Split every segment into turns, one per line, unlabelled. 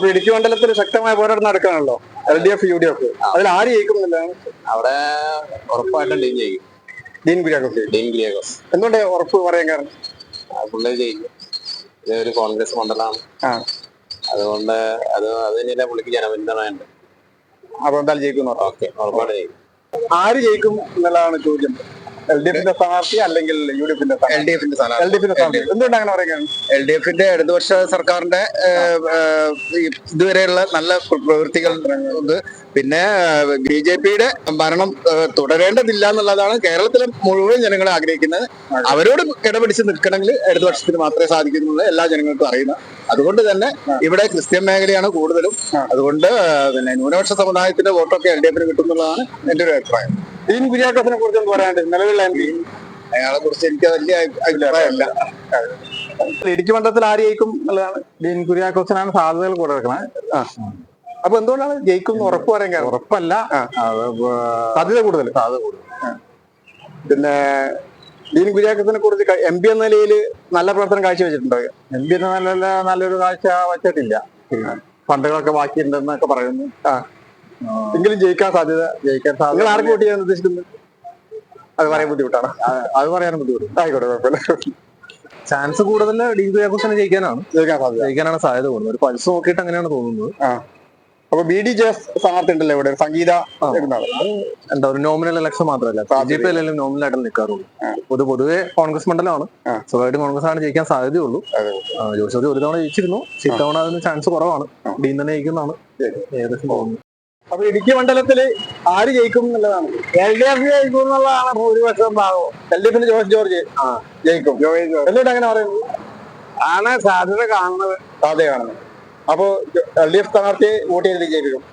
അപ്പൊ ഇടുക്കി മണ്ഡലത്തിൽ ശക്തമായ പോരാട്ടം നടക്കുകയാണല്ലോ, LDF UDF. അതിൽ ആര് ജയിക്കുന്നില്ലാണ്?
അവിടെ ഉറപ്പായിട്ടും ഡീൻ ജയിക്കും.
ഡീൻ കുര്യാക്കോസ്. എന്തുകൊണ്ട് ഉറപ്പ് പറയാൻ കാരണം?
പുള്ളി ജയിക്കും. ഇതൊരു കോൺഗ്രസ് മണ്ഡലമാണ്, അതുകൊണ്ട് അത് തന്നെയല്ല പുള്ളിക്ക് ജനപിന്തുണയുണ്ട്.
അപ്പൊ എന്തായാലും ജയിക്കുന്നു.
ഓക്കെ, ഉറപ്പായിട്ട് ജയിക്കും.
ആര് ജയിക്കും എന്നുള്ളതാണ് ചോദ്യം. LDFന്റെ സ്ഥാനാർത്ഥി അല്ലെങ്കിൽ UDFന്റെ?
LDFന്റെ
സ്ഥാനാർത്ഥി. എന്തുകൊണ്ട് അങ്ങനെ പറയുകയാണ്?
LDFന്റെ ഇടതുപക്ഷ സർക്കാരിന്റെ ഇതുവരെയുള്ള നല്ല പ്രവൃത്തികൾ ഉണ്ട്. പിന്നെ BJPയുടെ ഭരണം തുടരേണ്ടതില്ല എന്നുള്ളതാണ് കേരളത്തിലെ മുഴുവൻ ജനങ്ങൾ ആഗ്രഹിക്കുന്നത്. അവരോട് കിടപിടിച്ച് നിൽക്കണമെങ്കിൽ ഇടതുപക്ഷത്തിന് മാത്രമേ സാധിക്കുന്നുള്ളൂ, എല്ലാ ജനങ്ങൾക്കും അറിയുന്ന. അതുകൊണ്ട് തന്നെ ഇവിടെ ക്രിസ്ത്യൻ മേഖലയാണ് കൂടുതലും. അതുകൊണ്ട് പിന്നെ ന്യൂനപക്ഷ സമുദായത്തിന്റെ വോട്ടൊക്കെ LDFന് കിട്ടുന്നുള്ളതാണ് എന്റെ ഒരു അഭിപ്രായം.
ഡീൻ കുര്യാക്കോസിനെ കുറിച്ച് പറയാണ്ട് നിലവിലുള്ള MP?
അയാളെ കുറിച്ച് എനിക്ക് വലിയ അഭിപ്രായമല്ല.
ഇടുക്കി മണ്ഡലത്തിൽ ആര് ജയിക്കും എന്നുള്ളതാണ്?
ഡീൻ കുര്യാക്കോസിനാണ് സാധ്യതകൾ കൂടെ വെക്കുന്നത്.
അപ്പൊ എന്തുകൊണ്ടാണ് ജയിക്കും ഉറപ്പ് പറയാൻ കാരണം?
ഉറപ്പല്ല,
സാധ്യത കൂടുതൽ. പിന്നെ ഡീൻ കുര്യാക്കോസിനെ കുറിച്ച് MP എന്ന നിലയിൽ നല്ല പ്രവർത്തനം കാഴ്ചവെച്ചിട്ടുണ്ടോ?
MP എന്ന നല്ലൊരു കാഴ്ച വച്ചിട്ടില്ല. ഫണ്ടുകളൊക്കെ ബാക്കിയുണ്ടെന്നൊക്കെ പറയുന്നു.
എങ്കിലും ജയിക്കാൻ സാധ്യത. നിങ്ങൾ ആർക്ക് വോട്ട് ചെയ്യാൻ ഉദ്ദേശിക്കുന്നത്? അത് പറയാൻ ബുദ്ധിമുട്ടാണ്.
അത് പറയാനും ബുദ്ധിമുട്ട്.
ആയിക്കോട്ടെ, കുഴപ്പമില്ല.
ചാൻസ് കൂടുതൽ ഡീൻ കുര്യാക്കോസിനെ ജയിക്കാനാണ് സാധ്യത കൂടുതൽ. ഒരു പൾസ് നോക്കിയിട്ട് അങ്ങനെയാണ് തോന്നുന്നത്.
അപ്പൊ BDJS സ്ഥാനാർത്ഥി ഉണ്ടല്ലോ ഇവിടെ, സംഗീത.
എന്താ ഒരു നോമിനൽ ഇലക്ഷൻ മാത്രമല്ല, BJP അല്ലെങ്കിലും നോമിനൽ ആയിട്ട് നിൽക്കാറുള്ളൂ. പൊതുവെ കോൺഗ്രസ് മണ്ഡലമാണ്, സ്വഭാവമായിട്ട് കോൺഗ്രസ് ആണ് ജയിക്കാൻ സാധ്യതയുള്ളൂ. ജോസഫ് ഒരു തവണ ജയിച്ചിരുന്നു, ഇത്തവണ അതിന് ചാൻസ് കുറവാണ്. ഡീൻ തന്നെ ജയിക്കുന്നതാണ് ഏകദേശം തോന്നുന്നത്.
അപ്പൊ ഇടുക്കി മണ്ഡലത്തില് ആര് ജയിക്കും എന്നുള്ളതാണ്?
LDF ജയിക്കും എന്നുള്ളതാണ് ഭൂരിപക്ഷം ഭാഗവും.
LDFന്റെ ജോർജ് ജയിക്കും. എന്തുകൊണ്ട് അങ്ങനെ പറയുന്നത്?
ആണ് സാധ്യത കാണുന്നത്.
അപ്പൊ LDF സ്ഥാനാർത്ഥിയെ വോട്ട് ചെയ്ത് ജയിപ്പിക്കും.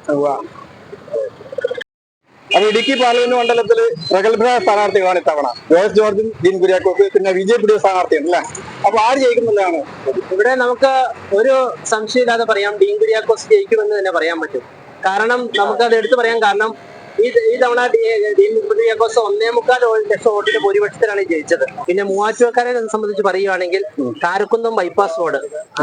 അപ്പൊ ഇടുക്കി പാർലമെന്റ് മണ്ഡലത്തില് പ്രഗത്ഭരായ സ്ഥാനാർത്ഥികളാണ് ഇത്തവണ. ജോർജും ഡീൻ കുര്യാക്കോസ്, പിന്നെ BJPയുടെ സ്ഥാനാർത്ഥിയാണ് അല്ലേ? അപ്പൊ ആര് ജയിക്കുന്നുള്ളതാണ്
ഇവിടെ നമുക്ക് ഒരു സംശയമില്ലാതെ പറയാം, ഡീൻ കുര്യാക്കോസ് ജയിക്കുമെന്ന് തന്നെ പറയാൻ പറ്റും. കാരണം നമുക്കത് എടുത്തു പറയാൻ കാരണം ഈ തവണ ഡീൻ കുര്യാക്കോസ് 1.25 ലക്ഷം വോട്ടിന്റെ ഭൂരിപക്ഷത്തിലാണ് ജയിച്ചത്. പിന്നെ മൂവാറ്റുപുഴക്കാരെ സംബന്ധിച്ച് പറയുകയാണെങ്കിൽ കാരക്കുന്നം ബൈപ്പാസ് റോഡ്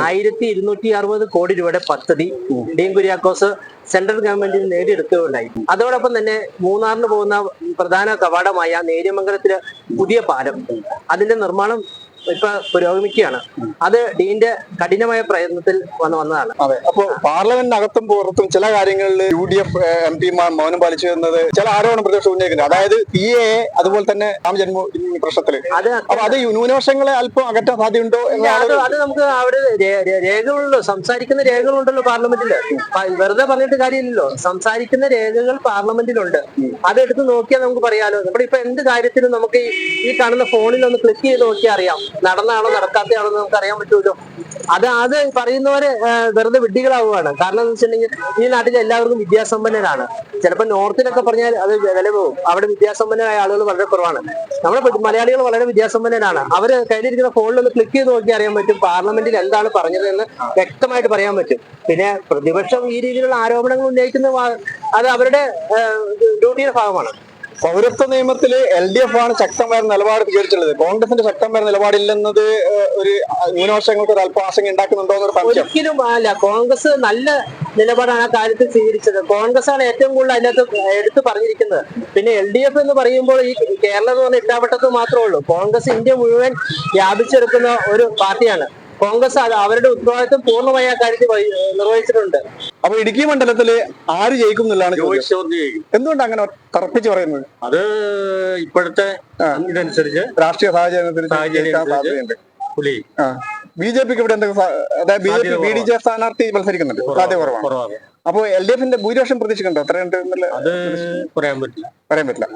1260 കോടി രൂപയുടെ പദ്ധതി ഡീൻ കുര്യാക്കോസ് സെൻട്രൽ ഗവൺമെന്റിന് നേടിയെടുക്കുകയുണ്ടായി. അതോടൊപ്പം തന്നെ മൂന്നാറിന് പോകുന്ന പ്രധാന കവാടമായ നേര്യമംഗലത്തിലെ പുതിയ പാലം, അതിന്റെ നിർമ്മാണം ഇപ്പൊ പുരോഗമിക്കുകയാണ്. അത് ഡീന്റെ കഠിനമായ പ്രയത്നത്തിൽ വന്നതാണ്.
അതെ. അപ്പൊ പാർലമെന്റിനകത്തും പുറത്തും ചില കാര്യങ്ങളിൽ UDF MP മാർ മൗനം പാലിച്ചു എന്നത് ചില ആരോപണം പ്രതിപക്ഷം ഉന്നയിക്കുന്നത്. അതായത് PA അതുപോലെ തന്നെ രാമജന്മഭൂമി പ്രശ്നത്തില് അത് ന്യൂനപക്ഷങ്ങളെ അല്പം അകറ്റാൻ സാധ്യതയുണ്ടോ?
അത് നമുക്ക് അവിടെ രേഖകളുണ്ടല്ലോ, സംസാരിക്കുന്ന രേഖകളുണ്ടല്ലോ പാർലമെന്റില്. വെറുതെ പറഞ്ഞിട്ട് കാര്യമില്ലല്ലോ, സംസാരിക്കുന്ന രേഖകൾ പാർലമെന്റിലുണ്ട്. അതെടുത്ത് നോക്കിയാൽ നമുക്ക് പറയാലോ. നമ്മുടെ ഇപ്പൊ എന്ത് കാര്യത്തിലും നമുക്ക് ഈ കാണുന്ന ഫോണിൽ ഒന്ന് ക്ലിക്ക് ചെയ്ത് നോക്കിയാൽ അറിയാം നടന്നാണോ നടക്കാത്തയാണോ എന്ന് നമുക്ക് അറിയാൻ പറ്റുമല്ലോ. അത് പറയുന്നവര് വെറുതെ വിഡ്ഢികളാവുകയാണ്. കാരണം എന്ന് വെച്ചിട്ടുണ്ടെങ്കിൽ ഈ നാട്ടിൽ എല്ലാവർക്കും വിദ്യാസമ്പന്നരാണ്. ചിലപ്പോൾ നോർത്തിലൊക്കെ പറഞ്ഞാൽ അത് വില പോകും. അവിടെ വിദ്യാസമ്പന്നരായ ആളുകൾ വളരെ കുറവാണ്. നമ്മുടെ മലയാളികൾ വളരെ വിദ്യാസമ്പന്നരാണ്. അവര് കയ്യിലിരിക്കുന്ന ഫോണിൽ ഒന്ന് ക്ലിക്ക് ചെയ്ത് നോക്കി അറിയാൻ പറ്റും പാർലമെന്റിൽ എന്താണ് പറഞ്ഞതെന്ന് വ്യക്തമായിട്ട് പറയാൻ പറ്റും. പിന്നെ പ്രതിപക്ഷം ഈ രീതിയിലുള്ള ആരോപണങ്ങൾ ഉന്നയിക്കുന്ന അത് അവരുടെ ഡ്യൂട്ടിയുടെ ഭാഗമാണ്.
പൗരത്വ നിയമത്തില് LDF ആണ് ശക്തമായ നിലപാട് സ്വീകരിച്ചുള്ളത്. കോൺഗ്രസിന്റെ ശക്തമായ നിലപാടില്ലെന്നത് ഒരു ന്യൂനപക്ഷങ്ങൾക്ക് ഒരു അല്പം ആശങ്ക ഉണ്ടാക്കുന്നുണ്ടോ എന്നൊരു സംശയം.
ഒരിക്കലും അല്ല, കോൺഗ്രസ് നല്ല നിലപാടാണ് ആ കാര്യത്തിൽ സ്വീകരിച്ചത്. കോൺഗ്രസ് ആണ് ഏറ്റവും കൂടുതൽ അതിനകത്ത് എടുത്തു പറഞ്ഞിരിക്കുന്നത്. പിന്നെ LDF എന്ന് പറയുമ്പോൾ ഈ കേരളം എന്ന് പറഞ്ഞ ഇട്ടാവട്ടത്ത് മാത്രമേ ഉള്ളൂ. കോൺഗ്രസ് ഇന്ത്യ മുഴുവൻ വ്യാപിച്ചെടുക്കുന്ന ഒരു പാർട്ടിയാണ്. കോൺഗ്രസ് അവരുടെ ഉത്തരവാദിത്വം പൂർണ്ണമായി ആ കാര്യത്തിൽ നിർവഹിച്ചിട്ടുണ്ട്.
അപ്പൊ ഇടുക്കി മണ്ഡലത്തില് ആര് ജയിക്കും എന്നുള്ളതാണ്. എന്തുകൊണ്ട് അങ്ങനെ തറപ്പിച്ച് പറയുന്നത്?
അത് ഇപ്പോഴത്തെ ഇതനുസരിച്ച് രാഷ്ട്രീയ സാഹചര്യത്തിൽ
BJPക്ക് ഇവിടെ എന്തെങ്കിലും BDJ സ്ഥാനാർത്ഥി മത്സരിക്കുന്നുണ്ട്, സാധ്യത കുറവാണ്. അപ്പൊ LDFന്റെ ഭൂരിപക്ഷം പ്രതീക്ഷിക്കുന്നുണ്ടോ? എത്രയുണ്ട്
പറയാൻ പറ്റില്ല.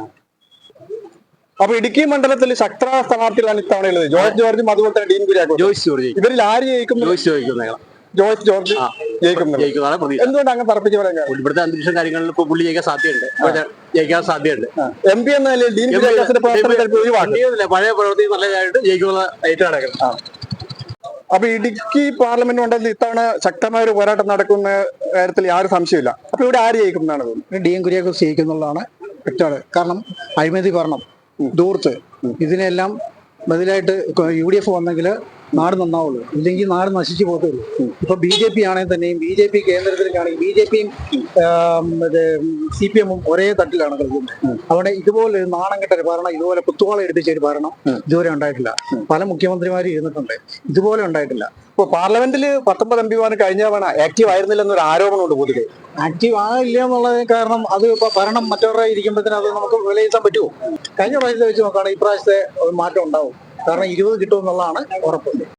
അപ്പൊ ഇടുക്കി മണ്ഡലത്തിൽ ശക്തരായ സ്ഥാനാർത്ഥികളാണ് ഇത്തവണയുള്ളത്. ജോർജും അതുപോലെ തന്നെ ഡീൻ കുര്യാക്കോസ്. ഇവരിൽ ആര് ജയിക്കും? ജോർജ് ജയിക്കും. എന്തുകൊണ്ട് അങ്ങനെ തറപ്പിച്ച് പറയാൻ?
ഇവിടുത്തെ അന്തരീക്ഷം കാര്യങ്ങളിൽ ഇപ്പൊ പുള്ളി ജയിക്കാൻ സാധ്യതയുണ്ട്.
MP എന്ന നിലയിൽ ഡീൻ കുര്യാക്കോസിന്റെ
പഴയ പ്രവൃത്തി നല്ലതായിട്ട് ജയിക്കുന്ന ഏറ്റവും നടക്കുന്നത്.
അപ്പൊ ഇടുക്കി പാർലമെന്റ് മണ്ഡലത്തിൽ ഇത്തവണ ശക്തമായ ഒരു പോരാട്ടം നടക്കുന്ന കാര്യത്തിൽ യാതൊരു സംശയമില്ല. അപ്പൊ ഇവിടെ ആര് ജയിക്കും എന്നാണ് തോന്നുന്നത്?
ഡീൻ കുര്യാക്കോസ് ജയിക്കുന്നുള്ളതാണ് വ്യക്തമാണ്. കാരണം അഴിമതി ഭരണം, ദൂർത്ത്, ഇതിനെല്ലാം ബദലായിട്ട് UDF വന്നെങ്കിൽ നാട് നന്നാവുള്ളൂ, ഇല്ലെങ്കിൽ നാട് നശിച്ചു പോകത്തുള്ളൂ. ഇപ്പൊ BJP ആണെങ്കിൽ തന്നെയും BJP കേന്ദ്രത്തിലേക്കാണെങ്കിൽ BJPയും CPM-ഉം ഒരേ തട്ടിലാണ് കളിക്കുന്നത്. അവിടെ ഇതുപോലെ ഒരു നാണം കെട്ട ഒരു ഭരണം, ഇതുപോലെ കുത്തുവാള എടുപ്പിച്ച ഒരു ഭരണം ഇതുവരെ ഉണ്ടായിട്ടില്ല. പല മുഖ്യമന്ത്രിമാരും ഇരുന്നിട്ടുണ്ട്, ഇതുപോലെ ഉണ്ടായിട്ടില്ല.
ഇപ്പൊ പാർലമെന്റിൽ 19 MP കഴിഞ്ഞ തവണ ആക്റ്റീവ് ആയിരുന്നില്ലെന്നൊരു ആരോപണമുണ്ട് പൊതുവെ.
ആക്റ്റീവ് ആകില്ല എന്നുള്ളതിന് കാരണം അത് ഇപ്പൊ ഭരണം മറ്റവരുടെ ഇരിക്കുമ്പോഴത്തേനും അത് നമുക്ക് വിലയിരുത്താൻ പറ്റുമോ? കഴിഞ്ഞ പ്രാവശ്യത്തെ വെച്ച് നോക്കുകയാണെങ്കിൽ ഇപ്രാവശ്യത്തെ ഒരു മാറ്റം ഉണ്ടാവും. കാരണം 20 കിട്ടുമെന്നുള്ളതാണ് ഉറപ്പ്.